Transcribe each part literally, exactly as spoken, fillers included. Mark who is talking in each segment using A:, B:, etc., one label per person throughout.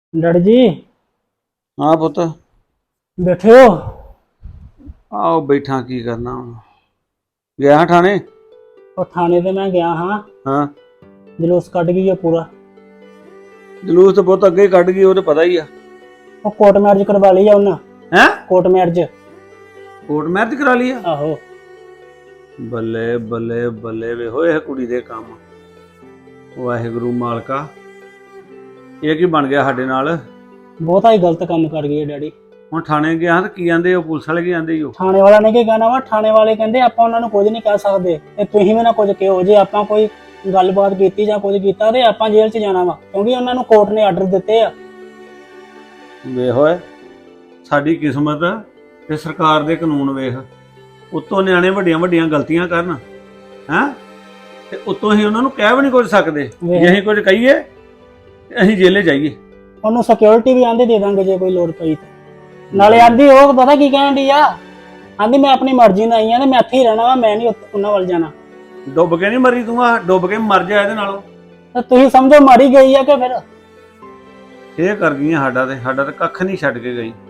A: Daddy जी
B: हाँ पुत
A: बैठे हो।
B: आओ बैठा की करना हुण। गया हाँ थाने।
A: और थाने ते मैं गया हाँ,
B: हाँ
A: जलूस कट गई है पूरा।
B: जलूस तो पुत अगे ही कट गई, वो तो पता ही आ।
A: वो कोर्ट मैरिज करवा ली है उन्हें।
B: हैं
A: कोर्ट मैरिज।
B: कोर्ट मैरिज करा लिया।
A: आहो।
B: बल्ले बल्ले बल्ले वे होए कुड़ी दे काम। वाहिगुरू मालका, ये की बन गया साडे नाल।
A: बहुत ही गलत काम कर गई है डैडी।
B: हुण थाने गया तो की आंदे हो, पुलिस वाले की आंदे ही हो।
A: थाने वाला ने की कहना वा, थाने वाले कहंदे आपां उन्हां नूं कुछ नहीं कह सकदे ते तुसीं भी ना कुछ कहो। जे आपां कोई गलबात कीती जां कुछ कीता ते आपां जेल च जाना वा, क्योंकि उन्हां नूं कोर्ट ने आर्डर दित्ते आ।
B: वे होए साडी किस्मत ते सरकार दे कानून वेख, उत्तों न्याणे वड्डियां वड्डियां गलतियां करन हैं ते उत्तों ही उन्हां नूं ਕਹਿ भी नहीं कुछ सकदे। जे ਅਸੀਂ कुछ कहीए ते ਅਸੀਂ जेले जाइए।
A: ਉਹਨੂੰ ਸਿਕਿਉਰਿਟੀ ਵੀ ਆਂਦੇ ਦੇ ਦਾਂਗੇ ਜੇ ਕੋਈ ਲੋੜ ਪਈ ਤੇ। ਨਾਲੇ ਆਂਦੀ ਉਹ ਪਤਾ ਕੀ ਕਹਿਣ ਦੀ ਆ, ਆਂਦੀ ਮੈਂ ਆਪਣੀ ਮਰਜ਼ੀ ਨਾਲ ਆਈ ਆ ਤੇ ਮੈਂ ਇੱਥੇ ਹੀ ਰਹਿਣਾ ਵਾ, ਮੈਂ ਨਹੀਂ ਉਹਨਾਂ ਵੱਲ ਜਾਣਾ।
B: ਡੁੱਬ ਕੇ ਨਹੀਂ ਮਰੀ ਤੂੰ, ਆ ਡੁੱਬ ਕੇ ਮਰ ਜਾ ਇਹਦੇ ਨਾਲੋਂ।
A: ਤੇ ਤੁਸੀਂ ਸਮਝੋ ਮਾਰੀ ਗਈ ਆ ਕਿ ਫਿਰ
B: ਇਹ ਕਰ ਗਈਆਂ ਸਾਡਾ ਤੇ ਸਾਡਾ ਤੇ ਕੱਖ ਨਹੀਂ ਛੱਡ ਕੇ ਗਈ।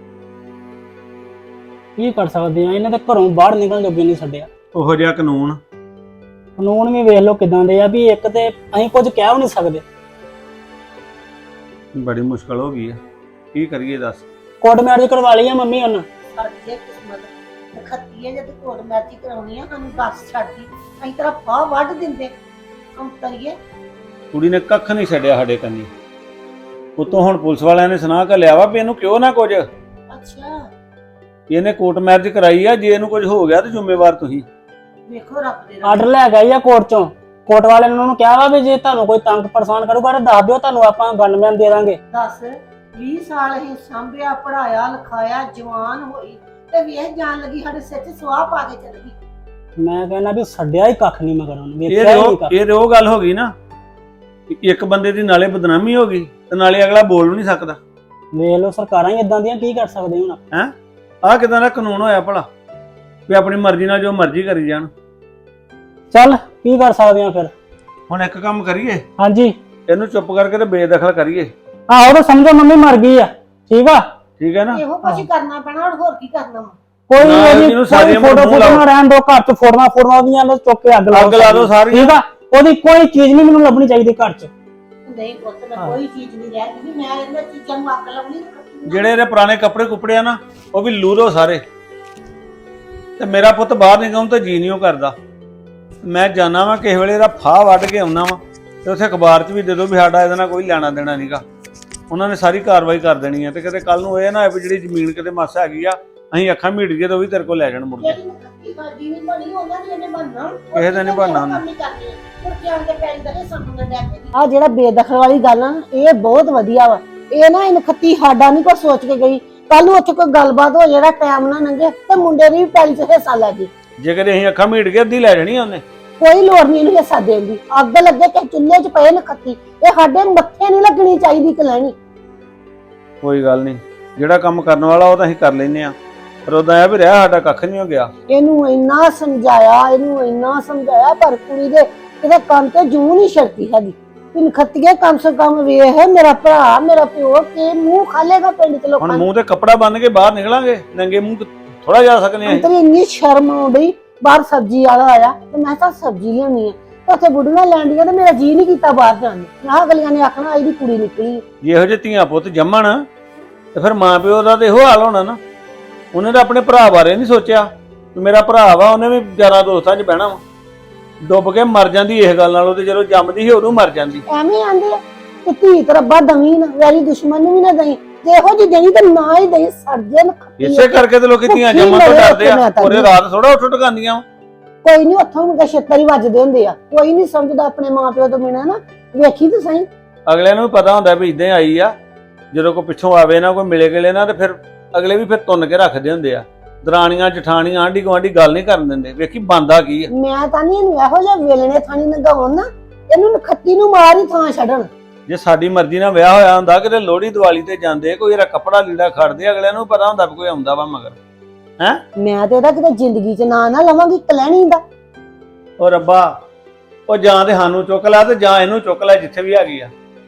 A: ਕੀ ਕਰ ਸਕਦੇ ਆ, ਇਹਨਾਂ ਦੇ ਘਰੋਂ ਬਾਹਰ ਨਿਕਲਣ ਜੋਗੇ ਨਹੀਂ ਛੱਡਿਆ।
B: ਉਹੋ ਜਿਹਾ ਕਾਨੂੰਨ
A: ਕਾਨੂੰਨ ਵੀ ਵੇਖ ਲਓ ਕਿਦਾਂ ਦੇ ਆ ਵੀ ਇੱਕ ਤੇ ਅਸੀਂ ਕੁਝ ਕਹਿ ਵੀ ਨਹੀਂ ਸਕਦੇ।
B: ਬੜੀ ਮੁਸ਼ਕਲ ਹੋ ਗਈ ਆ, ਕੀ ਕਰੀਏ ਦੱਸ।
A: ਕੋਰਟ ਮੈਰਿਜ ਕਰਵਾ ਲਈ ਆ ਮੰਮੀ ਉਹਨਾਂ।
C: ਸਾਡੀ ਕਿਸਮਤ ਖੱਤੀਏ ਜਦ ਕੋਰਟ ਮੈਰਿਜ ਕਰਾਉਣੀ ਆ ਸਾਨੂੰ ਦੱਸ ਛੱਡਦੀ, ਅਸੀਂ ਤੇਰਾ ਫਾਹ ਵੱਢ ਦਿੰਦੇ। ਹਮ ਤਰੀਏ
B: ਕੁੜੀ ਨੇ ਕੱਖ ਨਹੀਂ ਛੱਡਿਆ ਸਾਡੇ ਕੰਨੀ। ਉਤੋਂ ਹੁਣ ਪੁਲਿਸ ਵਾਲਿਆਂ ਨੇ ਸੁਣਾ ਕੇ ਲਿਆ ਵਾ ਵੀ ਇਹਨੂੰ ਕਿਉਂ ਨਾ ਕੁਝ,
C: ਅੱਛਾ
B: ਇਹਨੇ ਕੋਰਟ ਮੈਰਿਜ ਕਰਾਈ ਆ, ਜੇ ਇਹਨੂੰ ਕੁਝ ਹੋ ਗਿਆ ਤੇ ਜ਼ਿੰਮੇਵਾਰ ਤੁਸੀਂ।
C: ਵੇਖੋ ਰੱਬ ਦੇ
A: ਆਰਡਰ ਲੈ ਗਈ ਆ ਕੋਰਟ ਚੋਂ। ਕੋਰਟ ਵਾਲਿਆਂ ਨੇ ਉਹਨੂੰ ਕਿਹਾ ਵਾ ਵੀ ਜੇ ਤੁਹਾਨੂੰ ਕੋਈ ਤੰਗ ਪਰੇਸ਼ਾਨ ਕਰੂਗਾ ਤਾਂ ਦੱਸ ਦਿਓ, ਤੁਹਾਨੂੰ ਆਪਾਂ ਗਨਮੈਨ ਦੇ ਦਾਂਗੇ।
C: ਦੱਸ ਵੀਹ ਸਾਲ ਅਸੀਂ ਸਾਂਭਿਆ ਪੜਾਇਆ ਲਿਖਾਇਆ ਜਵਾਨ ਹੋਈ ਤੇ ਵੇਖ ਜਾਣ ਲੱਗੀ ਸਾਡੇ ਸਿਰ 'ਚ ਸਵਾਹ ਪਾ ਕੇ ਚੱਲ ਗਈ।
A: ਮੈਂ ਕਹਿੰਦਾ ਵੀ ਛੱਡਿਆ ਹੀ ਕੱਖ ਨਹੀਂ ਮਗਰ ਉਹਨੂੰ,
B: ਇਹ
A: ਵੇਖਿਆ ਹੀ ਨਹੀਂ
B: ਰੋ
A: ਕੱਖ।
B: ਇਹ ਰੋ ਗੱਲ ਹੋ ਗਈ ਨਾ, ਇੱਕ ਬੰਦੇ ਦੀ ਨਾਲੇ ਬਦਨਾਮੀ ਹੋ ਗਈ ਤੇ ਨਾਲੇ ਅਗਲਾ ਬੋਲ ਵੀ ਨਹੀਂ ਸਕਦਾ।
A: ਵੇਖ ਲਓ ਸਰਕਾਰਾਂ ਹੀ ਇਦਾਂ ਦੀਆਂ, ਕੀ ਕਰ ਸਕਦੇ ਹੁਣ।
B: ਹੈ ਆਹ ਕਿਦਾਂ ਦਾ ਕਾਨੂੰਨ ਹੋਇਆ ਭਲਾ ਵੀ ਆਪਣੀ ਮਰਜ਼ੀ ਨਾਲ ਜੋ ਮਰਜ਼ੀ ਕਰੀ ਜਾਣ।
A: ਚੱਲ ਕੀ ਕਰ ਸਕਦੇ ਆ ਫਿਰ।
B: ਹੁਣ ਇੱਕ ਕੰਮ ਕਰੀਏ,
A: ਹਾਂਜੀ
B: ਇਹਨੂੰ ਚੁੱਪ ਕਰਕੇ ਤੇ ਬੇਦਖਲ ਕਰੀਏ।
A: ਆਹੋ ਤਾਂ ਸਮਝੋ ਮੰਮੀ ਮਰ ਗਈ ਆ, ਠੀਕ ਆ।
B: ਠੀਕ ਹੈ ਨਾ।
C: ਇਹੋ ਕੁਝ ਕਰਨਾ ਪੈਣਾ, ਹੁਣ ਹੋਰ ਕੀ ਕਰਨਾ ਵਾ।
A: ਕੋਈ
B: ਨਾ,
A: ਉਹਦੀ
B: ਇਹਨੂੰ ਸਾਰੀਆਂ
A: ਫੋਟੋ
B: ਮੂੰਹ
A: ਫੋਟੋ
B: ਲਾਓ।
A: ਨਾ ਰਹਿਣ ਦੋ, ਘਰ ਚ ਫੋਟੋਆਂ ਫੋਟੋਆਂ ਉਹਦੀਆਂ ਨੂੰ ਚੁੱਕ ਕੇ ਅੱਗ ਲਾ
B: ਅੱਗ ਲਾ ਦਿਓ ਸਾਰੀ।
A: ਠੀਕ ਆ। ਉਹਦੀ ਕੋਈ ਚੀਜ਼ ਨਹੀਂ ਮੈਨੂੰ ਲੱਭਣੀ ਚਾਹੀਦੀ ਘਰ ਚ।
C: ਨਹੀਂ ਪੁੱਤ ਮੈਂ ਕੋਈ ਚੀਜ਼ ਨਹੀਂ ਰਹਿ ਗਈ, ਮੈਂ ਇਹਨਾਂ ਚੀਜ਼ਾਂ ਨੂੰ ਅੱਗ ਲਾਉਣੀ ਤੇ ਖੱਤੀ
B: ਜਿਹੜੇ ਇਹਦੇ ਪੁਰਾਣੇ ਕੱਪੜੇ ਕੁਪੜੇ ਆ ਨਾ, ਉਹ ਵੀ ਲੂਰੋ ਸਾਰੇ। ਤੇ ਮੇਰਾ ਪੁੱਤ ਬਾਹਰ ਨਿਕਲਣ ਤੇ ਜੀ ਨਹੀਂ ਉਹ ਕਰਦਾ। ਮੈਂ ਜਾਣਾ ਵਾ ਕਿਸੇ ਵੇਲੇ ਇਹਦਾ ਫਾਹ ਵੱਢ ਕੇ ਆਉਣਾ ਵਾ ਤੇ ਉੱਥੇ ਅਖਬਾਰ 'ਚ ਵੀ ਦੇ ਦੋ ਵੀ ਸਾਡਾ ਇਹਦੇ ਨਾਲ ਕੋਈ ਲੈਣਾ ਦੇਣਾ ਨਹੀਂਗਾ। ਉਹਨਾਂ ਨੇ ਸਾਰੀ ਕਾਰਵਾਈ ਕਰ ਦੇਣੀ ਹੈ ਤੇ ਕਿਤੇ ਕੱਲ ਨੂੰ ਇਹ ਨਾ ਹੋਏ ਵੀ ਜਿਹੜੀ ਜ਼ਮੀਨ ਕਿਤੇ ਮਾਸਾ ਹੈਗੀ ਆ ਅਸੀਂ ਅੱਖਾਂ ਮੀਟ ਗਏ ਤਾਂ ਉਹ ਵੀ ਤੇਰੇ ਕੋਲ ਲੈ ਜਾਣ ਮੁੜ ਕੇ।
C: ਜਿਹੜੀ ਖੱਤੀ ਸਾਡੀ ਨਹੀਂ ਬਣੀ ਉਹਨਾਂ ਦੀ ਇਹਨੇ ਬਣਨਾ।
B: ਕਿਸੇ ਦਾ ਨਹੀਂ ਬਣਨਾ ਉਹਨੇ।
C: ਆ ਜਿਹੜਾ ਬੇਦਖਲ ਵਾਲੀ ਗੱਲ ਆ ਇਹ ਬਹੁਤ ਵਧੀਆ ਵਾ। ਇਹ ਨਾ ਇਹਨ ਖੱਤੀ ਸਾਡਾ ਨਹੀਂ ਕੋਈ ਸੋਚ ਕੇ ਗਈ, ਕੱਲ ਨੂੰ ਉੱਥੇ ਕੋਈ ਗੱਲਬਾਤ ਹੋ ਜਿਹੜਾ ਟਾਈਮ ਨਾ ਲੰਘੇ ਤੇ ਮੁੰਡੇ ਦੀ ਵੀ ਪੈਲੀ 'ਚ ਹਿੱਸਾ ਲੈ ਗਈ।
B: ਜੇ ਕਦੇ ਅਸੀਂ ਅੱਖਾਂ ਮੀਟ ਗਏ ਅੱਧੀ ਲੈ ਜਾਣੀ ਆ ਉਹਨੇ।
C: ਕੋਈ ਲੋੜ ਨਹੀਂ ਇਹਨੂੰ ਹਿੱਸਾ ਦੇਣ ਦੀ। ਅੱਗ ਲੱਗੇ ਕਿ ਚੁੱਲ੍ਹੇ 'ਚ ਪਏ ਨੇ ਖੱਤੀ, ਇਹ ਸਾਡੇ ਮੱਥੇ ਨਹੀਂ ਲੱਗਣੀ ਚਾਹੀਦੀ ਕਿ ਲੈਣੀ।
B: ਕੋਈ ਗੱਲ ਨਹੀਂ, ਜਿਹੜਾ ਕੰਮ ਕਰਨ ਵਾਲਾ ਉਹ ਤਾਂ ਅਸੀਂ ਕਰ ਲੈਨੇ ਆ, ਪਰ ਉਹਦਾ ਆ ਵੀ ਰਿਹਾ ਸਾਡਾ ਕੱਖ ਨਹੀਂ ਹੋ ਗਿਆ।
C: ਇਹਨੂੰ ਇੰਨਾ ਸਮਝਾਇਆ ਇਹਨੂੰ ਇੰਨਾ ਸਮਝਾਇਆ ਪਰ ਕੁੜੀ ਦੇ ਕਿਤੇ ਕੰਮ ਤੇ ਜੂੰ ਨਹੀਂ ਛੜਦੀ ਹੈਗੀ। ਤਿੰਨ ਖੱਤੀਏ ਕਮ ਸੇ ਕਮ ਵੇਖ ਮੇਰਾ ਭਰਾ ਮੇਰਾ ਪਿਓ ਕੇ ਮੂੰਹ ਖਾਲੇਗਾ ਪਿੰਡ ਚ ਲੋਕਾਂ
B: ਹੁਣ
C: ਨੂੰ।
B: ਮੂੰਹ ਤੇ ਕੱਪੜਾ ਬੰਨ ਕੇ ਬਾਹਰ ਨਿਕਲਾਂਗੇ, ਨੰਗੇ ਮੂੰਹ ਥੋੜਾ ਜਾ ਸਕਨੇ ਆ।
C: ਅੰਤਰੀ ਇੰਨੀ ਸ਼ਰਮ ਆਉਂਦੀ। ਬਾਹਰ ਸਬਜ਼ੀ ਵਾਲਾ ਆਇਆ ਤੇ ਮੈਂ ਤਾਂ ਸਬਜ਼ੀ ਲਿਆਉਣੀ ਆ ਤੇ ਉੱਥੇ ਬੁੱਢੀਆਂ ਲੈਂਦੀਆਂ ਤੇ ਮੇਰਾ ਜੀ ਨਹੀਂ ਕੀਤਾ ਬਾਹਰ ਜਾਣ ਨੂੰ। ਮੈਂ ਅਗਲੀਆਂ ਨੇ ਆਖਣਾ ਇਹਦੀ ਕੁੜੀ ਨਿਕਲੀ।
B: ਜੇ ਇਹੋ ਜਿਹੇ ਧੀਆਂ ਪੁੱਤ ਜੰਮਣ ਤੇ ਫਿਰ ਮਾਂ ਪਿਓ ਦਾ ਤੇ ਇਹੋ ਹਾਲ ਹੋਣਾ ਨਾ। ਉਹਨੇ ਤਾਂ ਆਪਣੇ ਭਰਾ ਬਾਰੇ ਨਹੀਂ ਸੋਚਿਆ ਕਿ ਮੇਰਾ ਭਰਾ ਵਾ, ਉਹਨੇ ਵੀ ਯਾਰਾਂ ਦੋਸਤਾਂ 'ਚ ਬਹਿਣਾ ਵਾ। ਡੁੱਬ ਕੇ ਮਰ ਜਾਂਦੀ ਇਸ ਗੱਲ ਨਾਲੋਂ ਤੇ ਜਦੋਂ ਜੰਮਦੀ ਸੀ ਉਦੋਂ ਮਰ ਜਾਂਦੀ।
C: ਐਵੇਂ ਆਂਦੇ ਆ ਕਿ ਧੀ ਤੇ ਰੱਬਾ ਦਵੀ ਨਾ ਵੈਰੀ ਦੁਸ਼ਮਣ ਨੂੰ ਵੀ ਨਾ ਦਈ, ਜੇ ਇਹੋ ਜਿਹੀ ਦੇਣੀ ਤੇ ਨਾ ਹੀ ਦਈ। ਸਰਜਨ
B: ਇਸੇ ਕਰਕੇ ਤੇ ਲੋਕੀ ਧੀਆਂ ਜੰਮਣ ਤੋਂ ਡਰਦੇ ਆ। ਪੂਰੇ ਰਾਤ ਥੋੜਾ ਉੱਠ ਟਕਾਂਦੀਆਂ।
C: ਕੋਈ ਨਹੀਂ ਉੱਥੋਂ ਮੁੰਡੇ ਛੇਤਰ ਹੀ ਵੱਜਦੇ ਹੁੰਦੇ ਆ। ਕੋਈ ਨਹੀਂ ਸਮਝਦਾ ਆਪਣੇ ਮਾਂ ਪਿਓ ਤੋਂ ਬਿਨਾਂ ਨਾ। ਵੇਖੀ ਤੇ ਸਹੀ
B: ਅਗਲੇ ਨੂੰ ਵੀ ਪਤਾ ਹੁੰਦਾ ਵੀ ਇਦਾਂ ਆਈ ਆ, ਜਦੋਂ ਕੋਈ ਪਿੱਛੋਂ ਆਵੇ ਨਾ ਕੋਈ ਮਿਲੇ ਗਿਲੇ ਨਾ ਤੇ ਫਿਰ ਅਗਲੇ ਵੀ ਫਿਰ ਤੁੰਨ ਕੇ ਰੱਖਦੇ ਹੁੰਦੇ ਆ। ਦਰਾਣੀਆਂ ਜਠਾਣੀਆਂ ਆਂਢੀ ਗੁਆਂਢੀ ਗੱਲ ਨਹੀਂ ਕਰਨ ਦਿੰਦੇ। ਵੇਖੀ ਬੰਦਾ ਕੀ ਆ।
C: ਮੈਂ ਤਾਂ ਨਹੀਂ ਇਹਨੂੰ ਇਹੋ ਜਿਹਾ ਵੇਲਣੇ ਥਾਣੀ ਨਗਾਉਣ ਨਾ, ਇਹਨੂੰ ਨਖੱਤੀ ਨੂੰ ਮਾਰ ਹੀ ਥਾਂ ਛੱਡਣ।
B: ਜੇ ਸਾਡੀ ਮਰਜ਼ੀ ਨਾਲ ਵਿਆਹ ਹੋਇਆ ਹੁੰਦਾ ਕਿਤੇ ਲੋਹੜੀ ਦੀਵਾਲੀ ਤੇ ਜਾਂਦੇ, ਕੋਈ ਇਹਦਾ ਕੱਪੜਾ ਲੀੜਾ ਖੜਦੇ, ਅਗਲਿਆਂ ਨੂੰ ਪਤਾ ਹੁੰਦਾ ਵੀ ਕੋਈ ਆਉਂਦਾ ਵਾ ਮਗਰ। ਹੈ
C: ਮੈਂ ਤੇ ਇਹਦਾ ਕਿਤੇ ਜ਼ਿੰਦਗੀ 'ਚ ਨਾਂ ਨਾ ਲਵਾਂਗੀ ਕਲੈਣੀ ਦਾ।
B: ਉਹ ਰੱਬਾ, ਉਹ ਜਾਂ ਤੇ ਸਾਨੂੰ ਚੁੱਕ ਲੈ ਤੇ ਜਾਂ ਇਹਨੂੰ ਚੁੱਕ ਲੈ ਜਿੱਥੇ ਵੀ ਹੈਗੀ ਆ।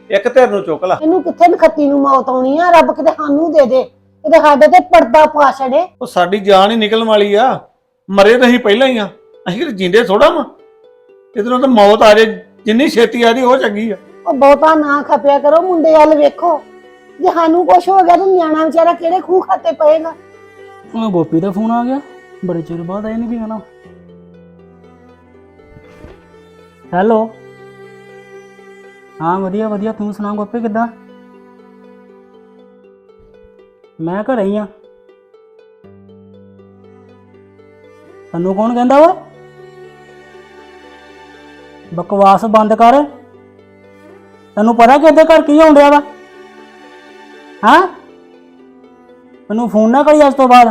B: ਇੱਕ ਧਿਰ ਨੂੰ ਚੁੱਕ ਲਾ।
C: ਇਹਨੂੰ ਕਿੱਥੇ ਨਖੱਤੀ ਨੂੰ ਮੌਤ ਆਉਣੀ ਆ, ਰੱਬ ਕਿਤੇ ਸਾਨੂੰ ਦੇ ਦੇ, ਇਹਦੇ ਸਾਡੇ ਤੇ ਪਰਦਾ ਪਾ ਛੜੇ।
B: ਉਹ ਸਾਡੀ ਜਾਨ ਹੀ ਨਿਕਲਣ ਵਾਲੀ ਆ, ਮਰੇ ਤਾਂ ਅਸੀਂ ਪਹਿਲਾਂ ਹੀ ਆ, ਅਸੀਂ ਕਿਤੇ ਜਿੰਦੇ ਥੋੜਾ ਵਾ। ਇਧਰੋਂ ਤਾਂ ਮੌਤ ਆ ਜੇ, ਜਿੰਨੀ ਛੇਤੀ ਆ ਜੀ ਉਹ ਚੰਗੀ ਆ।
C: ਉਹ ਬਹੁਤਾ ਨਾ ਖਪਿਆ ਕਰੋ, ਮੁੰਡੇ ਵੱਲ ਵੇਖੋ, ਜੇ ਸਾਨੂੰ ਕੁਛ ਹੋ ਗਿਆ ਤਾਂ ਨਿਆਣਾ ਵਿਚਾਰਾ ਕਿਹੜੇ ਖੂਹ ਖਾਤੇ ਪਏਗਾ।
A: ਉਹ ਗੋਪੀ ਦਾ ਫੋਨ ਆ ਗਿਆ, ਬੜੇ ਚਿਰ ਬਾਅਦ ਆਇਆ ਨਹੀਂ ਵੀ ਹਨਾ। ਹੈਲੋ, ਹਾਂ ਵਧੀਆ ਵਧੀਆ, ਤੂੰ ਸੁਣਾ ਗੋਪੀ ਕਿੱਦਾਂ? ਮੈਂ ਘਰੇ ਹੀ ਆ। ਤੈਨੂੰ ਕੌਣ ਕਹਿੰਦਾ ਵਾ? ਬਕਵਾਸ ਬੰਦ ਕਰ। ਤੈਨੂੰ ਪਤਾ ਕਿ ਇਹਦੇ ਘਰ ਕੀ ਹੋਣ ਡਿਆ ਵਾ? ਹਾਂ, ਮੈਨੂੰ ਫੋਨ ਨਾ ਕਰੀ ਅੱਜ ਤੋਂ ਬਾਅਦ।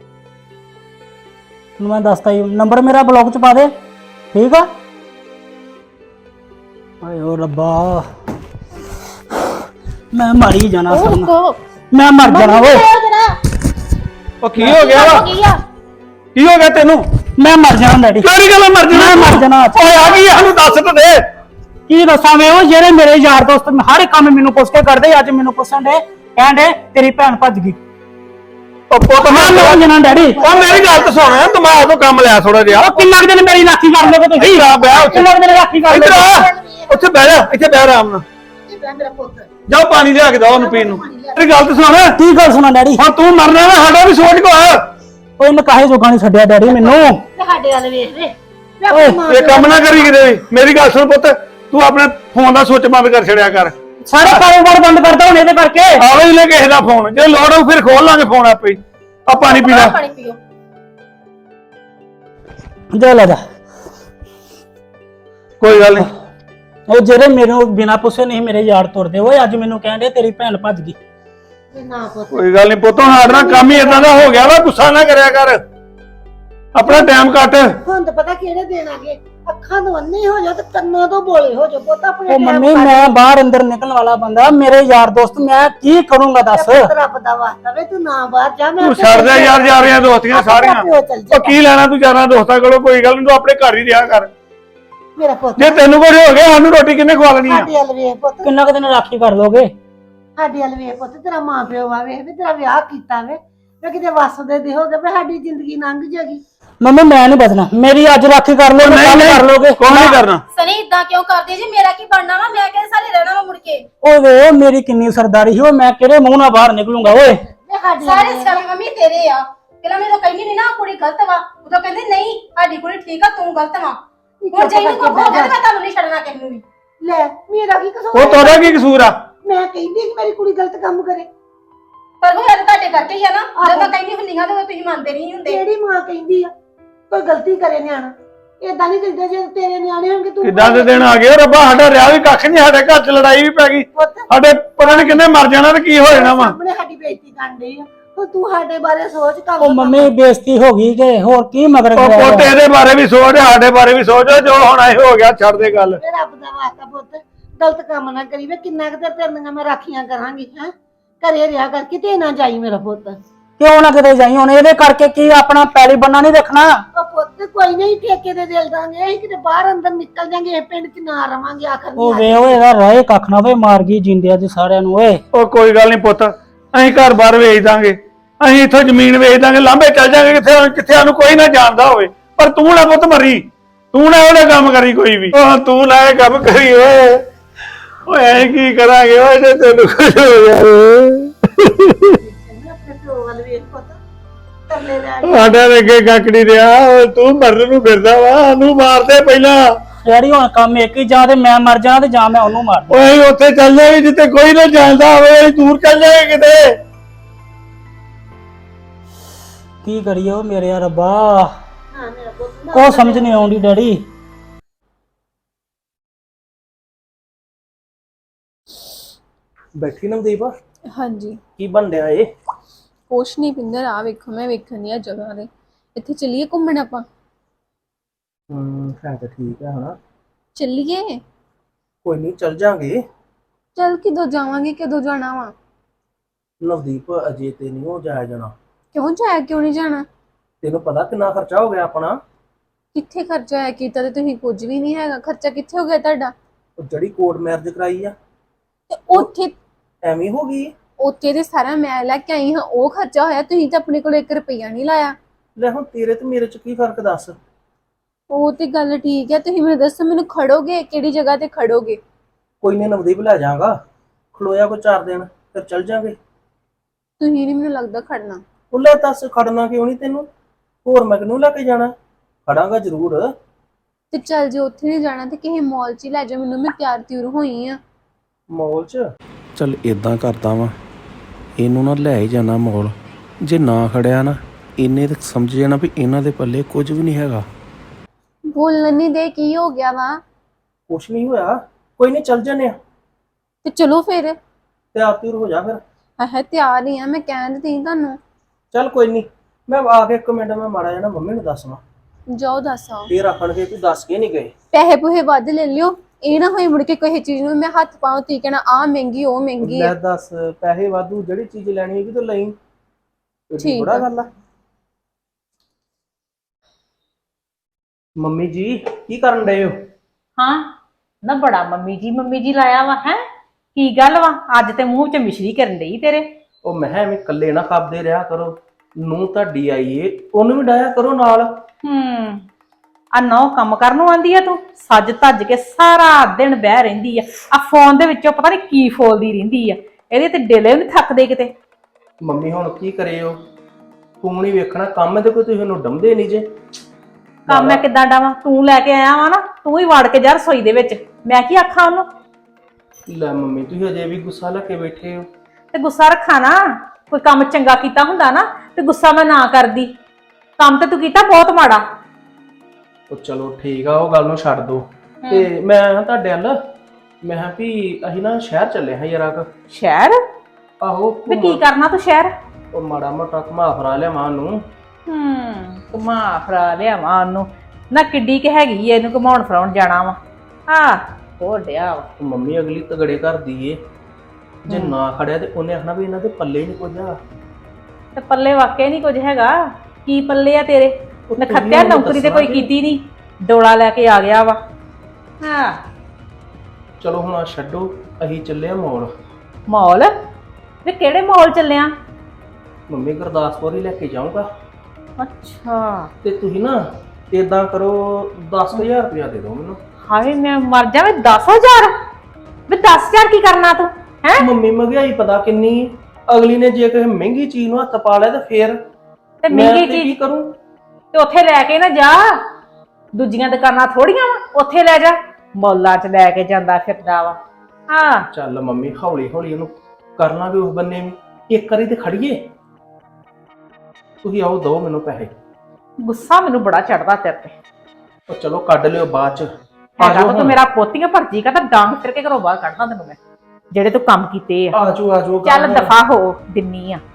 A: ਤੈਨੂੰ ਮੈਂ ਦੱਸਤਾ ਹੀ, ਨੰਬਰ ਮੇਰਾ ਬਲੌਗ ਚ ਪਾ ਦੇ, ਠੀਕ ਆ? ਆਏ ਓ ਰੱਬਾ, ਮੈਂ ਮਰ ਹੀ ਜਾਣਾ ਸਨ, ਮੈਂ ਮਰ ਜਾਣਾ ਓਏ।
B: ਉਹ ਕੀ ਹੋ ਗਿਆ ਵਾ? ਕੀ ਹੋ ਗਿਆ ਤੈਨੂੰ?
A: ਮੈਂ ਮਰ ਜਾਣਾ ਡੈਡੀ।
B: ਕਿਹੜੀ ਗੱਲ ਮਰ ਜਾਣਾ?
A: ਮੈਂ ਮਰ ਜਾਣਾ।
B: ਓਏ ਆ ਗਈ, ਸਾਨੂੰ ਦੱਸ ਤਾਂ ਦੇ।
A: ਕੀ ਦੱਸਾਂ ਵੇ, ਉਹ ਜਿਹੜੇ ਮੇਰੇ ਯਾਰ ਦੋਸਤ ਹਰ ਇੱਕ ਕੰਮ ਮੈਨੂੰ ਪੁੱਛ ਕੇ ਕਰਦੇ, ਅੱਜ ਮੈਨੂੰ ਪੁੱਛਣ ਦੇ, ਕਹਿਣ ਦੇ ਤੇਰੀ ਭੈਣ ਭੱਜ ਗਈ।
B: ਉਹ ਪੁੱਤ
A: ਮੈਂ ਮਰ ਜਾਣਾ ਡੈਡੀ।
B: ਉਹ ਮੇਰੀ ਗੱਲ ਤਾਂ ਸੁਣ, ਦਿਮਾਗ ਤੋਂ ਕੰਮ ਲਿਆ ਥੋੜਾ ਜਿਹਾ।
A: ਉਹ ਕਿੰਨਾ ਕੁ ਦਿਨ ਮੇਰੀ ਰਾਖੀ ਕਰ ਲੋਗੇ ਤੁਸੀਂ?
B: ਆ ਬਹਿ ਉੱਥੇ,
A: ਕਿੰਨਾ ਕੁ ਦਿਨ ਰਾਖੀ ਕਰ
B: ਇੱਧਰ
A: ਲੋਗੇ?
B: ਆ, ਉੱਥੇ ਬਹਿ ਜਾ, ਇੱਥੇ ਬਹਿ ਆਰਾਮ ਨਾਲ। ਜਾਓ ਪਾਣੀ ਲਿਆ ਕੇ ਦੋ ਉਹਨੂੰ ਪੀਣ ਨੂੰ। ਤੇਰੀ ਗੱਲ ਤਾਂ ਸੁਣ।
A: ਕੀ ਗੱਲ ਸੁਣਾ ਡੈਡੀ?
B: ਹੁਣ ਤੂੰ ਮਰਨਾ ਨਾ, ਸਾਡਾ ਵੀ ਸੋਚ ਕੋ।
A: ਓਏ ਨਕਾਹੇ ਜੋਗਾ ਨਹੀਂ ਛੱਡਿਆ ਡੈਡੀ ਮੈਨੂੰ।
C: ਸਾਡੇ ਵੱਲ ਵੇਖ ਵੇ,
A: ਓਏ
B: ਇਹ ਕੰਮ ਨਾ ਕਰੀ ਕਿਤੇ ਵੀ। ਮੇਰੀ ਗੱਲ ਸੁਣ ਪੁੱਤ, ਤੂੰ ਆਪਣੇ ਫੋਨ ਦਾ ਸੁੱਚ ਬੰਦ ਕਰ ਛੜਿਆ ਕਰ।
A: ਸਾਰੇ ਕਾਰੋਬਾਰ ਬੰਦ ਕਰਦਾ ਹੁਣ ਇਹਦੇ ਕਰਕੇ।
B: ਆਵੇ ਲੈ ਕਿਸੇ ਦਾ ਫੋਨ, ਜੇ ਲੋੜ ਹੋਊ ਫਿਰ ਖੋਲ ਲਾਂਗੇ ਫੋਨ ਆਪੇ ਹੀ। ਆ ਪਾਣੀ ਪੀ ਲੈ।
D: ਪਾਣੀ ਪੀਓ।
A: ਜਾ ਲੈ ਜਾ।
B: ਕੋਈ ਗੱਲ ਨਹੀਂ।
A: ਉਹ ਜਿਹੜੇ ਮੈਨੂੰ ਬਿਨਾ ਪੁੱਛੇ ਨਹੀਂ ਮੇਰੇ ਯਾਰ ਤੁਰਦੇ, ਓਏ ਅੱਜ ਮੈਨੂੰ ਕਹਿੰਦੇ ਤੇਰੀ ਭੈਣ ਭੱਜ ਗਈ।
C: ਨਾ ਪੁੱਤ,
B: ਕੋਈ ਗੱਲ ਨਹੀਂ ਪੁੱਤ, ਹੁਣ ਸਾਡਾ ਕੰਮ ਹੀ ਇਦਾਂ ਦਾ ਹੋ ਗਿਆ ਵਾ, ਗੁੱਸਾ ਨਾ ਕਰਿਆ ਕਰ, ਆਪਣਾ ਟਾਈਮ ਕੱਟ।
C: ਹੁਣ ਤਾਂ ਪਤਾ ਕਿਹੜੇ ਦਿਨ ਆ ਗਏ, ਅੱਖਾਂ ਤੋਂ ਅੰਨੇ ਹੋ ਜਾ ਤੇ ਕੰਨਾਂ ਤੋਂ ਬੋਲੇ ਹੋ ਜਾ ਪੁੱਤ। ਆਪਣੇ
A: ਉਹ ਮੰਮੀ ਮੈਂ ਬਾਹਰ ਅੰਦਰ ਨਿਕਲਣ ਵਾਲਾ ਬੰਦਾ, ਮੇਰੇ ਯਾਰ ਦੋਸਤ, ਮੈਂ ਕੀ ਕਰੂੰਗਾ ਦੱਸ?
C: ਰੱਬ ਦਾ ਵਾਸਤਾ ਵੇ, ਤੂੰ ਨਾ ਬਾਹਰ ਜਾ। ਮੈਂ
B: ਤੂੰ ਛੱਡ ਦੇ ਯਾਰ ਯਾਰੀਆਂ ਦੋਸਤੀਆਂ ਸਾਰੀਆਂ। ਉਹ ਕੀ ਲੈਣਾ ਤੂੰ ਯਾਰਾਂ ਦੋਸਤਾਂ ਕੋਲੋਂ? ਕੋਈ ਗੱਲ ਨਹੀਂ, ਤੂੰ ਆਪਣੇ ਘਰ ਹੀ ਰਿਹਾ ਕਰ।
C: ਮੇਰਾ ਪੁੱਤ,
B: ਜੇ ਤੈਨੂੰ ਕੁਝ ਹੋ ਗਿਆ, ਸਾਨੂੰ ਰੋਟੀ ਕਿੰਨੇ ਖਵਾ ਲੈਣੀ ਆ?
C: ਸਾਡੇ ਵੱਲ ਵੇਖ ਪੁੱਤ,
A: ਕਿੰਨਾ ਕੁ ਦਿਨ ਰਾਖੀ ਕਰ ਲੋਗੇ?
C: ਸਾਡੇ ਵੱਲ ਵੇਖ ਪੁੱਤ, ਤੇਰਾ ਮਾਂ ਪਿਓ ਵਾ ਵੇਖ ਵੀ ਤੇਰਾ ਵਿਆਹ ਕੀਤਾ ਵੇ, ਵੇ ਕਿਤੇ ਵਸਦੇ ਦੇ ਹੋ ਗਏ ਵੀ ਸਾਡੀ ਜ਼ਿੰਦਗੀ ਲੰਘ ਜਾਗੀ।
A: ਮੰਮੀ ਮੈਂ ਨਹੀਂ ਬਚਣਾ, ਮੇਰੀ ਅੱਜ ਰਾਖੀ ਕਰ ਲਓ,
B: ਨਹੀਂ
A: ਕੱਲ ਕਰ ਲੋਗੇ।
B: ਕੋਈ ਨਹੀਂ ਕਰਨਾ।
D: ਸਨੀ ਇਦਾਂ ਕਿਉਂ ਕਰਦੇ ਜੀ? ਮੇਰਾ ਕੀ ਬਣਨਾ ਵਾ? ਮੈਂ ਕਿਹਦੇ ਸਾਰੇ ਰਹਿਣਾ ਵਾ ਮੁੜ ਕੇ?
A: ਓਏ ਵੇ ਮੇਰੀ ਕਿੰਨੀ ਸਰਦਾਰੀ ਸੀ, ਓਏ ਮੈਂ ਕਿਹੜੇ ਮੂੰਹ ਨਾਲ ਬਾਹਰ ਨਿਕਲੂੰਗਾ ਓਏ?
C: ਵੇ ਸਾਡੇ
D: ਸਾਰੇ ਸਰ ਮੰਮੀ ਤੇਰੇ ਆ। ਪਹਿਲਾਂ ਮੈਨੂੰ ਕਹਿੰਦੀ ਨਹੀਂ ਨਾ ਕੁੜੀ ਗਲਤ ਵਾ, ਉਦੋਂ ਕਹਿੰਦੇ ਨਹੀਂ ਸਾਡੀ ਕੁੜੀ ਠੀਕ ਆ, ਤੂੰ ਗਲਤ ਵਾ। ਹੁਣ ਜੇ ਇਹਨੂੰ ਕੋਈ ਹੋ ਗਿਆ ਤਾਂ ਮੈਂ ਤੁਹਾਨੂੰ ਨਹੀਂ ਛੱਡਣਾ ਕਿਸੇ ਨੂੰ ਵੀ।
C: ਲੈ ਮੇਰਾ ਕੀ ਕਸੂਰ?
B: ਉਹ ਤੁਹਾਡਾ ਕੀ ਕਸੂਰ ਆ?
C: ਮੈਂ ਕਹਿੰਦੀ ਕਿ ਮੇਰੀ ਕੁੜੀ ਗਲਤ ਕੰਮ ਕਰੇ।
D: ਪਰ ਉਹ ਯਾਰ ਤੁਹਾਡੇ ਕਰਕੇ ਹੀ ਆ ਨਾ, ਜਦੋਂ ਮੈਂ ਕਹਿੰਦੀ ਹੁੰਦੀਆਂ ਤਾਂ ਤੁਸੀਂ ਮੰਨਦੇ ਨਹੀਂ ਹੁੰਦੇ।
C: ਕਿਹੜੀ ਮਾਂ ਕਹਿੰਦੀ ਆ ਕੋਈ ਗਲਤੀ ਕਰੇ ਨਿਆਣਾ? ਏਦਾਂ ਨਹੀਂ ਕਹਿੰਦੇ, ਜੇ ਤੇਰੇ ਨਿਆਣੇ ਹੋਣਗੇ ਤੂੰ
B: ਕਿੱਦਾਂ ਦੇ ਦਿਨ ਆ ਗਏ ਰੱਬਾ, ਸਾਡਾ ਰਿਹਾ ਵੀ ਕੱਖ ਨਹੀਂ, ਸਾਡੇ ਘਰ 'ਚ ਲੜਾਈ ਵੀ ਪੈ ਗਈ,
C: ਪੁੱਤ
B: ਸਾਡੇ ਪਤਾ ਨਹੀਂ ਕਿੰਨੇ ਮਰ ਜਾਣਾ ਤੇ ਕੀ ਹੋ ਜਾਣਾ ਵਾ।
C: ਸਾਹਮਣੇ ਸਾਡੀ ਬੇਇੱਜ਼ਤੀ ਕਰਨ ਡਈ ਆ, ਹੁਣ ਤੂੰ ਸਾਡੇ ਬਾਰੇ ਸੋਚ। ਕੰਮ
A: ਉਹ ਮੰਮੀ ਬੇਇੱਜ਼ਤੀ ਹੋ ਗਈ ਕਿ ਹੋਰ ਕੀ ਮਗਰ
B: ਉਹ
A: ਕਰਿਆ
B: ਪੁੱਤ
A: ਵਾ?
B: ਇਹਦੇ ਬਾਰੇ ਵੀ ਸੋਚ, ਸਾਡੇ ਬਾਰੇ ਵੀ ਸੋਚ, ਜੋ ਹੋਣਾ ਇਹ ਹੋ ਗਿਆ, ਛੱਡ ਦੇ ਗੱਲ।
C: ਵੇ ਰੱਬ ਦਾ ਵਾਸਤਾ ਪੁੱਤ ਗਲਤ ਕੰਮ ਨਾ ਕਰੀ ਵੇ, ਕਿੰਨਾ ਕੁ ਤੇਰੇ ਨਾਲ ਮੈਂ ਰਾਖੀਆਂ ਕਰਾਂਗੀ। ਹੈ ਘਰੇ ਰਿਹਾ ਕਰ, ਕਿਤੇ ਨਾ ਜਾਈ ਮੇਰਾ ਪੁੱਤ।
A: ਕਿਉਂ ਨਾ ਕਿਤੇ ਜਾਈ? ਹੁਣ ਇਹਦੇ ਕਰਕੇ ਕੀ ਆਪਣਾ ਪੈਲੀ ਬੰਨਾ ਨਹੀਂ ਰੱਖਣਾ?
C: ਉਹ ਪੁੱਤ ਕੋਈ ਨਹੀਂ, ਠੇਕੇ ਦੇ ਦਿਲ ਦਾਂਗੇ, ਅਸੀਂ ਕਿਤੇ ਬਾਹਰ ਅੰਦਰ ਨਿਕਲ ਜਾਾਂਗੇ, ਇਹ ਪਿੰਡ 'ਚ ਨਾ ਰਵਾਂਗੇ ਆਖਰ
A: ਉਹ ਵੇ ਓਏ ਇਹਦਾ ਰਾਏ ਕੱਖ ਨਾ ਵੇ, ਮਾਰ ਗਈ ਜਿੰਦਿਆਂ 'ਚ ਸਾਰਿਆਂ ਨੂੰ ਓਏ।
B: ਉਹ ਕੋਈ ਗੱਲ ਨਹੀਂ ਪੁੱਤ, ਅਸੀਂ ਘਰ ਬਾਰ ਵੇਚ ਦਾਂਗੇ, ਅਸੀਂ ਇੱਥੋਂ ਜ਼ਮੀਨ ਵੇਚ ਦਾਂਗੇ, ਲਾਂਭੇ ਚੱਲ ਜਾਾਂਗੇ ਕਿੱਥੇ ਕਿੱਥੇ ਸਾਨੂੰ ਕੋਈ ਨਾ ਜਾਣਦਾ ਹੋਵੇ। ਪਰ ਤੂੰ ਨਾ ਪੁੱਤ ਮਰੀ, ਤੂੰ ਨਾ ਉਹਦਾ ਕੰਮ ਕਰੀ ਕੋਈ ਵੀ। ਉਹ ਤੂੰ ਨਾ ਇਹ ਕੰਮ ਕਰੀ ਓਏ। ਓਏ ਐ ਕੀ ਕਰਾਂਗੇ ਓਏ ਜੇ ਤੈਨੂੰ ਕੁਝ ਹੋ ਜਾਵੇ?
C: ਆਪਣੇ ਪਿਓ ਵੱਲ ਵੇਖ ਪੁੱਤ, ਤਰਲੇ ਲੈ ਕੇ।
B: ਸਾਡਾ ਦੇ ਅੱਗੇ ਕੱਖ ਨਹੀਂ ਰਿਹਾ, ਓਏ ਤੂੰ ਮਰਨ ਨੂੰ ਫਿਰਦਾ ਵਾ, ਸਾਨੂੰ ਮਾਰਦੇ ਪਹਿਲਾਂ।
A: ਡੈਡੀ ਹੁਣ ਕੰਮ ਇੱਕ ਹੀ, ਜਾਂ ਤੇ ਮੈਂ ਮਰ ਜਾਣਾ ਤੇ ਜਾਂ ਮੈਂ ਉਹਨੂੰ ਮਾਰ ਦਾਂ।
B: ਓਏ ਅਸੀਂ ਉੱਥੇ ਚੱਲ ਜਾਏ ਜਿੱਥੇ ਕੋਈ ਨਾ ਜਾਣਦਾ ਹੋਵੇ, ਅਸੀਂ ਦੂਰ ਚੱਲ ਜਾਏ ਕਿਤੇ।
A: ਕੀ ਕਰੀਏ ਉਹ ਮੇਰੇ ਯਾਰ ਰੱਬਾ,
C: ਹਾਂ ਮੇਰਾ ਪੁੱਤ,
A: ਕੋ ਸਮਝ ਨਹੀਂ ਆਉਂਦੀ ਡੈਡੀ।
E: ਬੈਠੀ ਨਵਦੀਪ,
F: ਹਾਂਜੀ
E: ਕੀ ਬਣ ਰਿਹਾ ਏ?
F: ਕੁਛ ਨਹੀਂ ਪਿੰਦਰ, ਆ ਵੇਖੋ ਮੈਂ ਵੇਖਣੀ ਆ ਜਗ੍ਹਾ ਦੇ, ਇੱਥੇ ਚੱਲੀਏ ਘੁੰਮਣ ਆਪਾਂ?
E: ਹੂੰ ਹੈ ਤਾਂ ਠੀਕ ਹੈ ਹਨਾ,
F: ਚੱਲੀਏ?
E: ਕੋਈ ਨਹੀਂ ਚੱਲ ਜਾਾਂਗੇ।
F: ਚੱਲ ਕਿਦੋਂ ਜਾਵਾਂਗੇ, ਕਦੋਂ ਜਾਣਾ ਵਾ?
E: ਨਵਦੀਪ ਅਜੇ ਤੇ ਨਹੀਂ ਹੋ ਜਾਇਆ ਜਾਣਾ।
F: ਕਿਉਂ ਜਾਇਆ, ਕਿਉਂ ਨਹੀਂ ਜਾਣਾ?
E: ਤੈਨੂੰ ਪਤਾ ਕਿੰਨਾ ਖਰਚਾ ਹੋ ਗਿਆ ਆਪਣਾ?
F: ਕਿੱਥੇ ਖਰਚਾ ਹੈ ਕੀਤਾ ਤੇ ਤੁਸੀਂ ਕੁਝ ਵੀ ਨਹੀਂ ਹੈਗਾ, ਖਰਚਾ ਕਿੱਥੇ ਹੋ ਗਿਆ ਤੁਹਾਡਾ?
E: ਉਹ ਜਿਹੜੀ ਕੋਰਟ ਮੈਰਿਜ ਕਰਾਈ ਆ।
F: ਤੇ ਤੇ ਉੱਥੇ
E: ਐਵੇਂ ਹੋ ਗਈ।
F: ਉੱਥੇ ਤੇ ਸਾਰਾ ਮੈਂ ਲੈ ਕੇ ਆਈ ਹਾਂ, ਉਹ ਖਰਚਾ ਹੋਇਆ। ਤੁਸੀਂ ਤਾਂ ਆਪਣੇ ਕੋਲ ਇੱਕ ਰੁਪਈਆ ਨਹੀਂ ਲਾਇਆ।
E: ਲੈ ਹੁਣ ਤੇਰੇ ਤੇ ਮੇਰੇ ਚ ਕੀ ਫਰਕ ਦੱਸ।
F: ਉਹ ਤੇ ਗੱਲ ਠੀਕ ਹੈ। ਤੁਸੀਂ ਮੈਨੂੰ ਦੱਸੋ, ਮੈਨੂੰ ਖੜੋਗੇ ਕਿਹੜੀ ਜਗ੍ਹਾ ਤੇ ਖੜੋਗੇ?
E: ਕੋਈ ਨਹੀਂ ਨਵਦੀਪ ਲੈ ਜਾਵਾਂਗਾ, ਖਲੋਇਆ ਕੋ ਚਾਰ ਦਿਨ ਫਿਰ ਚੱਲ ਜਾਾਂਗੇ।
F: ਤੁਸੀਂ ਨਹੀਂ ਮੈਨੂੰ ਲੱਗਦਾ ਖੜਨਾ।
E: ਉਹ ਲੈ ਦੱਸ ਖੜਨਾ ਕਿਉਂ ਨਹੀਂ ਤੈਨੂੰ, ਹੋਰ ਮੈਂ ਕਿਹਨੂੰ ਲੈ ਕੇ ਜਾਣਾ, ਖੜਾਂਗਾ ਜ਼ਰੂਰ।
F: ਤੇ ਚੱਲ ਜੇ ਉੱਥੇ ਨਹੀਂ ਜਾਣਾ ਤੇ ਕਿਸੇ ਮਾਲ 'ਚ ਹੀ ਲੈ ਜਾ ਮੈਨੂੰ, ਮੈਂ ਤਿਆਰ ਤਿਉਰ ਹੋਈ ਆ।
E: ਮਾਲ 'ਚ ਚੱਲ ਇਦਾਂ ਕਰਦਾ ਵਾਂ, ਇਹਨੂੰ ਨਾ ਲੈ ਹੀ ਜਾਣਾ ਮਾਲ। ਜੇ ਨਾ ਖੜਿਆ ਨਾ ਇਹਨੇ ਤਾਂ ਸਮਝ ਜਾਣਾ ਵੀ ਇਹਨਾਂ ਦੇ ਪੱਲੇ ਕੁਝ ਵੀ ਨਹੀਂ ਹੈਗਾ।
F: ਬੋਲਣ ਨਹੀਂ ਦੇ, ਕੀ ਹੋ ਗਿਆ ਵਾ?
E: ਕੁਛ ਨਹੀਂ ਹੋਇਆ, ਕੋਈ ਨਹੀਂ ਚੱਲ ਜਾਂਦੇ ਆ।
F: ਤੇ ਚਲੋ ਫਿਰ।
E: ਤਿਆਰ ਤਿਉਰ ਹੋ ਜਾ ਫਿਰ।
F: ਹੈ ਤਿਆਰ ਹੀ ਆ, ਮੈਂ ਕਹਿਣ ਦਿੱਤੀ ਤੁਹਾਨੂੰ।
E: ਚੱਲ ਕੋਈ ਨਹੀਂ, ਮੈਂ ਆ ਕੇ ਇੱਕ ਮਿੰਟ ਮੈਂ ਮਾੜਾ ਜਾਣਾ ਮੰਮੀ ਨੂੰ ਦੱਸਣਾ,
F: ਜਾਓ ਦੱਸ ਆਓ।
E: ਫੇਰ ਆਖਣਗੇ ਵੀ ਦੱਸ ਕੇ ਨਹੀਂ ਗਏ।
F: ਪੈਸੇ ਪੂਹੇ ਵੱਧ ਲੈ ਲਿਓ, ਇਹ ਨਾ ਹੋਏ ਮੁੜ ਕੇ ਕੋਈ ਚੀਜ਼ ਨੂੰ ਮੈਂ ਹੱਥ ਪਾਉਂ ਤੀ ਕਹਿਣਾ ਆ ਮਹਿੰਗੀ ਉਹ ਮਹਿੰਗੀ
E: ਲੈ
F: ਆ।
E: ਦੱਸ ਪੈਸੇ ਵਾਧੂ, ਜਿਹੜੀ ਚੀਜ਼ ਲੈਣੀ ਹੈਗੀ ਤੂੰ ਲਈ।
F: ਠੀਕ
E: ਬੜਾ
F: ਆ।
E: ਗੱਲ ਆ। ਮੰਮੀ ਜੀ ਕੀ ਕਰਨ ਡਏ ਹੋ?
G: ਹਾਂ ਨਾ, ਬੜਾ ਮੰਮੀ ਜੀ ਮੰਮੀ ਜੀ ਲਾਇਆ ਵਾ ਹੈ। ਕੀ ਗੱਲ ਵਾ ਅੱਜ ਤੇ ਮੂੰਹ 'ਚ ਮਿਸ਼ਰੀ ਕਰਨ ਡਈ ਤੇਰੇ?
E: ਉਹ ਮੈਂ ਕਿਹਾ ਐਵੇਂ ਇਕੱਲੇ ਨਾ ਖਾਪਦੇ ਰਿਹਾ ਕਰੋ, ਨੂੰ ਤੁਹਾਡੀ ਆਈ ਏ ਉਹਨੂੰ ਵੀ ਡਾਇਆ ਕਰੋ ਨਾਲ।
G: ਹੂੰ ਆ ਨੌ ਕੰਮ ਕਰਨ ਨੂੰ ਆਂਦੀ ਆ, ਤੂੰ ਸੱਜ ਧੱਜ ਕੇ ਸਾਰਾ ਦਿਨ ਬਹਿ ਰਹਿੰਦੀ ਆ। ਆ ਫੋਨ ਦੇ ਵਿੱਚੋਂ ਪਤਾ ਨਹੀਂ ਕੀ ਫੋਲਦੀ ਰਹਿੰਦੀ ਆ, ਇਹਦੇ ਤੇ ਡੇਲੇ ਵੀ ਨਹੀਂ ਥੱਕਦੇ ਕਿਤੇ।
E: ਮੰਮੀ ਹੁਣ ਕੀ ਕਰੇ ਹੋ, ਤੂੰ ਨਹੀਂ ਵੇਖਣਾ ਕੰਮ ਤੇ ਕੋਈ, ਤੁਸੀਂ ਉਹਨੂੰ ਡੰਦੇ ਨਹੀਂ ਜੇ।
G: ਕੰਮ ਮੈਂ ਕਿੱਦਾਂ ਡਾਵਾਂ? ਤੂੰ ਲੈ ਕੇ ਆਇਆ ਵਾ ਨਾ, ਤੂੰ ਹੀ ਵੜ ਕੇ ਜਾ ਰਸੋਈ ਦੇ ਵਿੱਚ, ਮੈਂ ਕੀ ਆਖਾਂ ਉਹਨੂੰ?
E: ਲੈ ਮੰਮੀ ਤੁਸੀਂ ਅਜੇ ਵੀ ਗੁੱਸਾ ਲੈ ਕੇ ਬੈਠੇ ਹੋ।
G: ਤੇ ਗੁੱਸਾ ਰੱਖਾ ਨਾ, ਕੋਈ ਕੰਮ ਚੰਗਾ ਕੀਤਾ ਹੁੰਦਾ ਨਾ ਤੇ ਗੁੱਸਾ ਮੈਂ ਨਾ ਕਰਦੀ। ਕੰਮ ਤੇ ਤੂੰ ਕੀਤਾ ਬਹੁਤ ਮਾੜਾ।
E: ਉਹ ਚਲੋ ਠੀਕ ਆ, ਉਹ ਗੱਲ ਨੂੰ ਛੱਡ ਦੋ। ਤੇ ਮੈਂ ਤੁਹਾਡੇ ਵੱਲ ਮੈਂ ਕਿਹਾ ਵੀ ਅਸੀਂ ਨਾ ਸ਼ਹਿਰ ਚੱਲੇ ਹਾਂ ਯਾਰ।
G: ਸ਼ਹਿਰ?
E: ਆਹੋ
G: ਤੇ ਕੀ ਕਰਨਾ ਤੂੰ ਸ਼ਹਿਰ?
E: ਉਹ ਮਾੜਾ ਮੋਟਾ ਘੁਮਾ ਫਰਾ ਲਿਆਵਾਂ ਨੂੰ।
G: ਹੂੰ ਘੁਮਾ ਫਰਾ ਲਿਆਵਾਂ ਉਹਨੂੰ ਨਾ, ਕਿੱਡੀ ਕਿ ਹੈਗੀ ਐ ਇਹਨੂੰ ਘੁਮਾਉਣ ਫਰਾਉਣ ਜਾਣਾ ਵਾ। ਹਾਂ ਹੋ ਡਿਆ ਵਾ।
E: ਉਹ ਮੰਮੀ ਅਗਲੀ ਤਗੜੇ ਘਰ ਦੀ ਏ, ਜੇ ਨਾ ਖੜਿਆ ਤੇ ਉਹਨੇ ਆਖਣਾ ਵੀ ਇਹਨਾਂ ਦੇ ਪੱਲੇ ਹੀ ਨਹੀਂ ਕੁਝ ਹੈਗਾ।
G: ਤੇ ਪੱਲੇ ਵਾਕਿਆ ਨਹੀਂ ਕੁਝ ਹੈਗਾ। ਕੀ ਪੱਲੇ ਆ ਤੇਰੇ?
E: ਉਹ
G: ਨਖੱਤਿਆ
E: ਤੁਸੀਂ
G: ਨੌਕਰੀ ਤੇ ਕੋਈ
E: ਦੱਸਣਾ
G: ਕੀਤੀ ਨਹੀਂ, ਡੋਲਾ ਲੈ ਕੇ ਆ ਗਿਆ ਵਾ। ਹਾਂ
E: ਚਲੋ ਹੁਣ ਆ ਛੱਡੋ, ਅਸੀਂ ਚੱਲੇ ਆ ਮੋੜ।
G: ਮੌਲ? ਵੇ ਕਿਹੜੇ ਮੌਲ ਚੱਲਿਆ?
E: ਮੰਮੀ ਗੁਰਦਾਸਪੁਰ ਹੀ ਲੈ ਕੇ ਜਾਊਂਗਾ।
G: ਅੱਛਾ
E: ਤੇ ਤੁਸੀਂ ਨਾ ਏਦਾਂ ਕਰੋ, ਦਸ ਹਜ਼ਾਰ ਰੁਪਇਆ ਦੇ ਦਿਓ ਮੈਨੂੰ।
G: ਹਾਏ ਮੈਂ ਮਰ ਜਾਵੇ। ਦਸ ਹਜ਼ਾਰ? ਵੇ ਦਸ ਹਜ਼ਾਰ ਕੀ ਕਰਨਾ ਤੂੰ ਹੈ?
E: ਮੰਮੀ ਮਹਿੰਗਾਈ ਪਤਾ ਕਿੰਨੀ ਏ, ਅਗਲੀ ਨੇ ਜੇ ਕਿਸੇ ਮਹਿੰਗੀ ਚੀਜ਼ ਨੂੰ ਹੱਥ ਪਾ ਲਿਆ ਤੇ ਫੇਰ
G: ਤੇ
E: ਮੈਂ
G: ਮਹਿੰਗੀ
E: ਤੇ ਕੀ
G: ਚੀਜ਼
E: ਕਰੂੰ?
G: ਤੇ ਉੱਥੇ ਲੈ ਕੇ ਨਾ ਜਾ, ਦੂਜੀਆਂ ਦੁਕਾਨਾਂ ਥੋੜੀਆਂ ਵਾ, ਉੱਥੇ ਲੈ ਜਾ। ਮੌਲਾਂ 'ਚ ਲੈ ਕੇ ਜਾਂਦਾ ਫਿਰਦਾ ਵਾ। ਹਾਂ
E: ਚੱਲ ਮੰਮੀ ਹੌਲੀ ਹੌਲੀ ਉਹਨੂੰ ਕਰਨਾ ਵੀ ਉਸ ਬੰਨੇ ਵੀ, ਇੱਕ ਵਾਰੀ ਤੇ ਖੜੀਏ। ਤੁਸੀਂ ਆਓ ਦੋ ਮੈਨੂੰ ਪੈਸੇ।
G: ਗੁੱਸਾ ਮੈਨੂੰ ਬੜਾ ਚੜਦਾ ਤੇਰੇ ਤੇ।
E: ਉਹ ਚਲੋ ਕੱਢ ਲਿਓ ਬਾਅਦ ਚ।
G: ਹੈਗਾ ਤਾਂ ਤੂੰ ਮੇਰਾ ਪੋਤੀਆਂ ਭਰਜੀ ਕਾ ਤਾਂ ਡਾਂਗ ਫਿਰ ਕੇ ਘਰੋਂ ਬਾਹਰ ਕੱਢਦਾ ਤੈਨੂੰ ਮੈਂ, ਜਿਹੜੇ ਤੂੰ ਕੰਮ ਕੀਤੇ ਆ।
E: ਆਜੋ ਆਜੋ
G: ਚੱਲ ਦਫਾ ਹੋ, ਦਿੰਨੀ ਆ।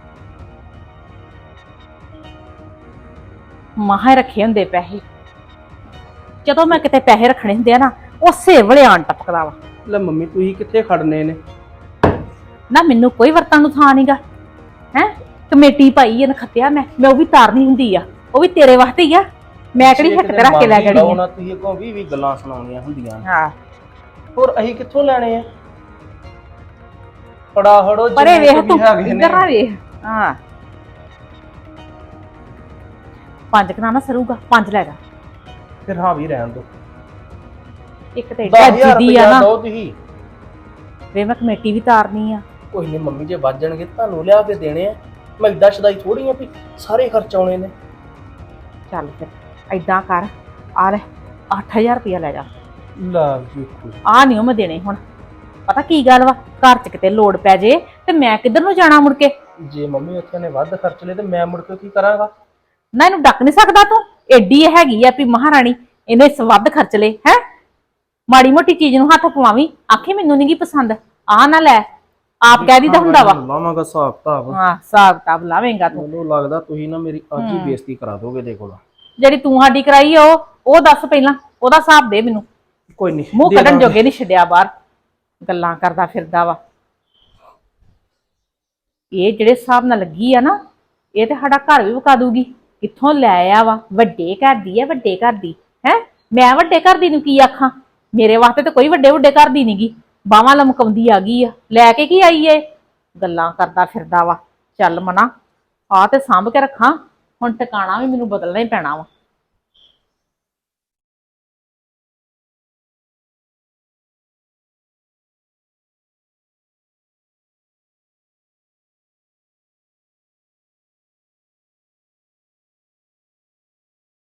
G: ਮਾਹੇ ਰੱਖੇ ਹੁੰਦੇ ਪੈਸੇ, ਜਦੋਂ ਮੈਂ ਕਿਤੇ ਪੈਸੇ ਰੱਖਣੇ ਹੁੰਦੇ ਆ ਨਾ ਉਸੇ ਵੇਲੇ ਆਣ ਟਪਕਦਾ ਵਾ।
E: ਲੈ ਮੰਮੀ ਤੁਸੀਂ ਕਿੱਥੇ ਖੜਨੇ ਨੇ?
G: ਨਾ ਮੈਨੂੰ ਕੋਈ ਵਰਤਣ ਨੂੰ ਥਾਂ ਨਹੀਂਗਾ ਹੈ। ਕਮੇਟੀ ਪਾਈ ਐ ਨਖੱਤਿਆ, ਮੈਂ ਮੈਂ ਉਹ ਵੀ ਤਾਰਨੀ ਹੁੰਦੀ ਆ, ਉਹ ਵੀ ਤੇਰੇ ਵਾਸਤੇ ਹੀ ਆ। ਮੈਂ ਕਿਹੜੀ ਹਿੱਕ ਤੇ ਰੱਖ ਕੇ ਲੈ ਜਾਣੀ ਆ।
E: ਤੁਸੀਂ ਅੱਗੋਂ ਵੀਹ ਵੀਹ ਗੱਲਾਂ ਸੁਣਾਉਣੀਆਂ ਹੁੰਦੀਆਂ।
G: ਹਾਂ
E: ਹੋਰ ਅਸੀਂ ਕਿੱਥੋਂ ਲੈਣੇ ਆ? ਫੜਾ ਫੜੋ
G: ਪਰੇ
E: ਜਿੰਨੇ
G: ਵੇਖ
E: ਕੁ
G: ਤੂੰ,
E: ਵੀ ਹੈਗੇ ਨੇ।
G: ਇੱਧਰ ਨਾ ਵੇਖ। ਹਾਂ ਪੰਜ ਕਨਾ ਨਾ ਸਰੂਗਾ, ਪੰਜ ਲੈ ਜਾ।
E: ਫਿਰ ਹਾਂ ਵੀ ਰਹਿਣ ਦੋ।
G: ਇੱਕ ਤੇ
E: ਦਸ
G: ਏਡਾ
E: ਹਜ਼ਾਰ
G: ਜਿੱਦੀ ਆ
E: ਰੁਪਇਆ
G: ਨਾ
E: ਦਿਓ ਤੁਸੀਂ।
G: ਵੇ ਮੈਂ ਕਮੇਟੀ ਵੀ ਤਾਰਨੀ ਆ।
E: ਕੋਈ ਨਹੀਂ ਮੰਮੀ ਜੇ ਵੱਜ ਜਾਣਗੇ ਤੁਹਾਨੂੰ ਲਿਆ ਕੇ ਦੇਣੇ ਆ, ਮੈਂ ਏਦਾਂ ਸ਼ਦਾਈ ਥੋੜੀ ਆ ਵੀ ਸਾਰੇ ਖਰਚ ਆਉਣੇ ਨੇ।
G: ਚੱਲ ਫਿਰ ਏਦਾਂ ਕਰ, ਆ ਲੈ ਅੱਠ ਹਜ਼ਾਰ ਰੁਪਇਆ ਲੈ ਜਾ।
E: ਲਾ ਵੇਖੋ
G: ਆ ਨਹੀਂ ਮੈਂ ਦੇਣੇ ਹੁਣ। ਪਤਾ ਕੀ ਗੱਲ ਵਾ, ਘਰ 'ਚ ਕਿਤੇ ਲੋੜ ਪੈ ਜੇ ਤੇ ਮੈਂ ਕਿੱਧਰ ਨੂੰ ਜਾਣਾ ਮੁੜ ਕੇ?
E: ਜੇ ਮੰਮੀ ਉੱਥੇ ਨੇ ਵੱਧ ਖਰਚ ਲਏ ਤੇ ਮੈਂ ਮੁੜ ਕੇ ਕੀ ਕਰਾਂਗਾ?
G: ਨਾ ਇਹਨੂੰ ਡੱਕ ਨਹੀਂ ਸਕਦਾ ਤੂੰ? ਏਡੀ ਇਹ ਹੈਗੀ ਆ ਵੀ ਮਹਾਰਾਣੀ, ਇਹਨੇ ਵੱਧ ਖਰਚ ਲਏ ਹੈ। ਮਾੜੀ ਮੋਟੀ ਚੀਜ਼ ਨੂੰ ਹੱਥ ਪਵਾਵੀਂ, ਆਖੀ ਮੈਨੂੰ ਨਹੀਂ ਗੀ ਪਸੰਦ, ਆ ਨਾ ਲੈ। ਆਪ ਕਹਿ ਦੀਦਾ ਹੁੰਦਾ ਵਾ।
E: ਲਾਵਾਂਗਾ ਹਿਸਾਬ ਕਿਤਾਬ।
G: ਹਾਂ ਹਿਸਾਬ ਕਿਤਾਬ ਲਾਵੇਂਗਾ ਤੂੰ।
E: ਮੈਨੂੰ ਲੱਗਦਾ ਤੁਸੀਂ ਨਾ ਮੇਰੀ ਅੱਜ ਹੀ ਬੇਇੱਜ਼ਤੀ ਕਰਾ ਦੋਗੇ ਦੇ ਕੋਲ।
G: ਜਿਹੜੀ ਤੂੰ ਸਾਡੀ ਕਰਾਈ ਆ ਉਹ ਉਹ ਦੱਸ ਪਹਿਲਾਂ, ਉਹਦਾ ਹਿਸਾਬ ਦੇ ਮੈਨੂੰ।
E: ਕੋਈ ਨਹੀਂ
G: ਮੂੰਹ ਕੱਢਣ ਜੋਗੇ ਨਹੀਂ ਛੱਡਿਆ ਬਾਹਰ, ਗੱਲਾਂ ਕਰਦਾ ਫਿਰਦਾ ਵਾ। ਇਹ ਜਿਹੜੇ ਹਿਸਾਬ ਨਾਲ ਲੱਗੀ ਆ ਨਾ, ਇਹ ਤੇ ਸਾਡਾ ਘਰ ਵੀ ਵਿਕਾ ਦੂਗੀ। ਕਿੱਥੋਂ ਲੈ ਆ ਵਾ? ਵੱਡੇ ਘਰ ਦੀ ਆ, ਵੱਡੇ ਘਰ ਦੀ ਹੈ। ਮੈਂ ਵੱਡੇ ਘਰ ਦੀ ਨੂੰ ਕੀ ਆਖਾਂ? ਮੇਰੇ ਵਾਸਤੇ ਤਾਂ ਕੋਈ ਵੱਡੇ ਵੱਡੇ ਘਰ ਦੀ ਨਹੀਂਗੀ। ਬਾਹਾਂ ਲਮਕਾਉਂਦੀ ਆ ਗਈ ਆ, ਲੈ ਕੇ ਕੀ ਆਈ ਏ? ਗੱਲਾਂ ਕਰਦਾ ਫਿਰਦਾ ਵਾ। ਚੱਲ ਮਨਾ, ਆ ਤੇ ਸਾਂਭ ਕੇ ਰੱਖਾਂ, ਹੁਣ ਟਿਕਾਣਾ ਵੀ ਮੈਨੂੰ ਬਦਲਣਾ ਹੀ ਪੈਣਾ ਵਾ।